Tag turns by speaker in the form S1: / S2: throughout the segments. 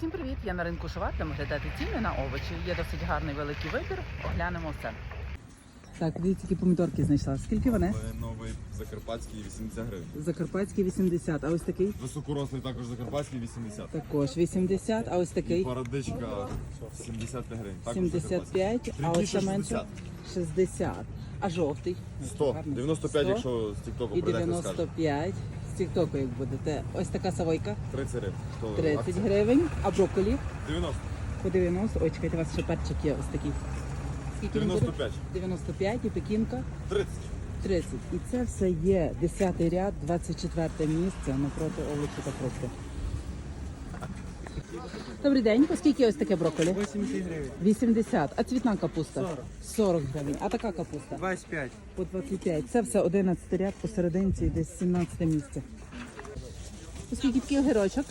S1: Всім привіт! Я на ринку Шуват, там оглядати ціни на овочі. Є досить гарний великий вибір. Оглянемо все. Так, дивіться, які помідорки знайшла. Скільки вони?
S2: Новий закарпатський 80 гривень.
S1: Закарпатський 80, а ось такий?
S2: Високорослий також закарпатський 80.
S1: Також 80, а ось такий?
S2: Породичка 75 гривень. Також
S1: 75, а ось ще менше? 60. А жовтий?
S2: 100. 95,
S1: 100.
S2: якщо з тіктоку
S1: І
S2: прийдете, скаже.
S1: 95. З тіктоку як будете. Ось така савойка?
S2: 30 гривень.
S1: 30 гривень. А брокколі?
S2: 90.
S1: По 90. Ой, чекайте, у вас ще перчик є ось такий. Скільки він буде?
S2: 95.
S1: 95 і пекінка?
S2: 30.
S1: 30. І це все є 10-й ряд, 24 місце напроти овочі та фрукти. Добрий день. По скільки ось таке брокколі?
S3: 80 гривень.
S1: 80. А цвітна капуста?
S3: 40.
S1: 40 гривень. А така капуста?
S3: 25.
S1: По 25. Це все 11 ряд, посерединці десь 17 місце. По скільки такий огірочок?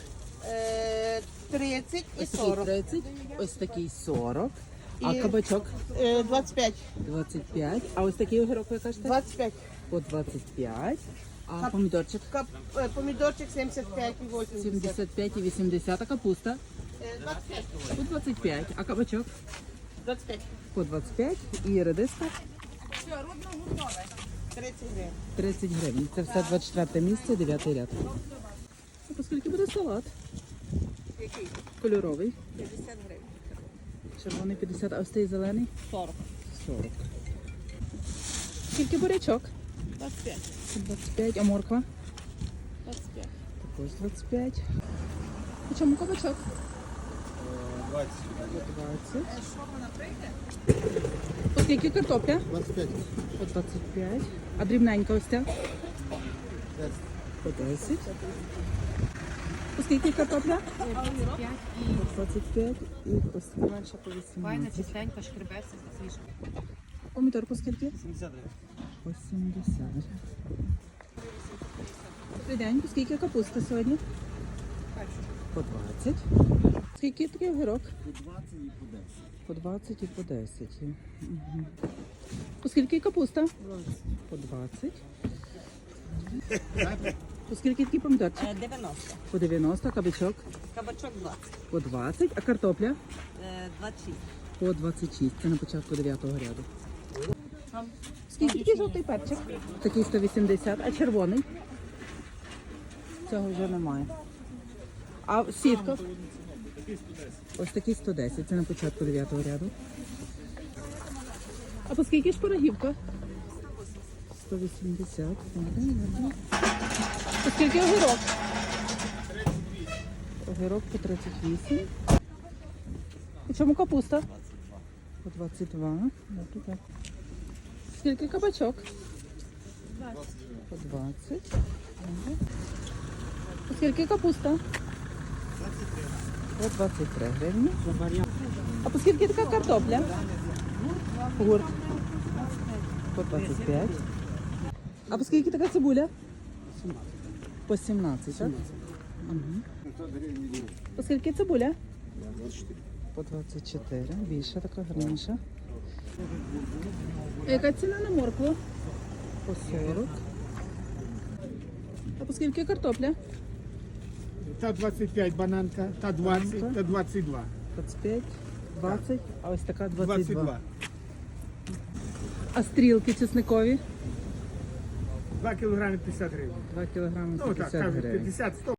S4: 30 і
S1: Ось такий
S4: 40.
S1: 30, ось такий 40. А
S4: І-
S1: кабачок?
S4: 25.
S1: 25. А ось такий огірок ви кажете?
S4: 25.
S1: По 25. А помідорчик?
S4: Помідорчик 75 і 80.
S1: 75 і 80. А капуста?
S4: 25.
S1: По 25. А кабачок?
S4: 25.
S1: По 25. І редиска?
S4: 30 гривень.
S1: 30 гривень. Це все 24 місце, 9 ряд. А по скільки буде салат?
S4: Який?
S1: Кольоровий.
S4: 50 гривень.
S1: Червоний 50, а ось цей зелений?
S4: 40.
S1: 40. Скільки бурячок?
S4: 25.
S1: 25. А морква?
S4: 25.
S1: Також 25. У чому кабачок?
S2: 20.
S1: 20. По скільки картопля?
S2: 25.
S1: По 25. А дрібненька ось ця? По 10. По скільки картопля?
S5: 25 і
S1: По 25. І ось така менша по
S5: файна,
S1: 18.
S5: чистенька, шкребеться, свіжа.
S1: Помідор по скільки?
S3: 70 гривень.
S1: По 70. Добрий день. По скільки капуста сьогодні? По 20. Скільки такий огірок?
S3: По 20 і по 10.
S1: По 20 і по 10. Угу. По скільки капуста?
S3: 20.
S1: По 20. По скільки такий помідорчик?
S4: 90.
S1: По 90, кабачок
S4: Кабачок 20.
S1: по 20, а картопля
S4: 26.
S1: по 26. Це на початку 9-го ряду. Скільки такий жовтий перчик? Такий 180, а червоний? Цього вже немає. А сітка? Ось такий 110, це на початку 9-го ряду. А по скільки шпарагівка? 180. По скільки огірок? Огірок по 38. І чому капуста? По 22. Добре. Скільки кабачок? По 20. Ага. По скільки капуста? По 23 гривні. А по скільки така картопля? Гурт. По 25. А по скільки така цибуля? По 17, так? Угу. По скільки цибуля? По 24. Більша така, гарніша. А яка ціна на моркву? По 40. А по скільки картопля?
S6: Та 25 бананка, та 20, та 22.
S1: 25, 20, а ось така 22.
S6: 22.
S1: А стрілки чесникові?
S6: 2 кілограми 50 гривень.
S1: 2 кілограми
S6: Ну так,
S1: 50
S6: кажуть,
S1: гривень.
S6: 50-100.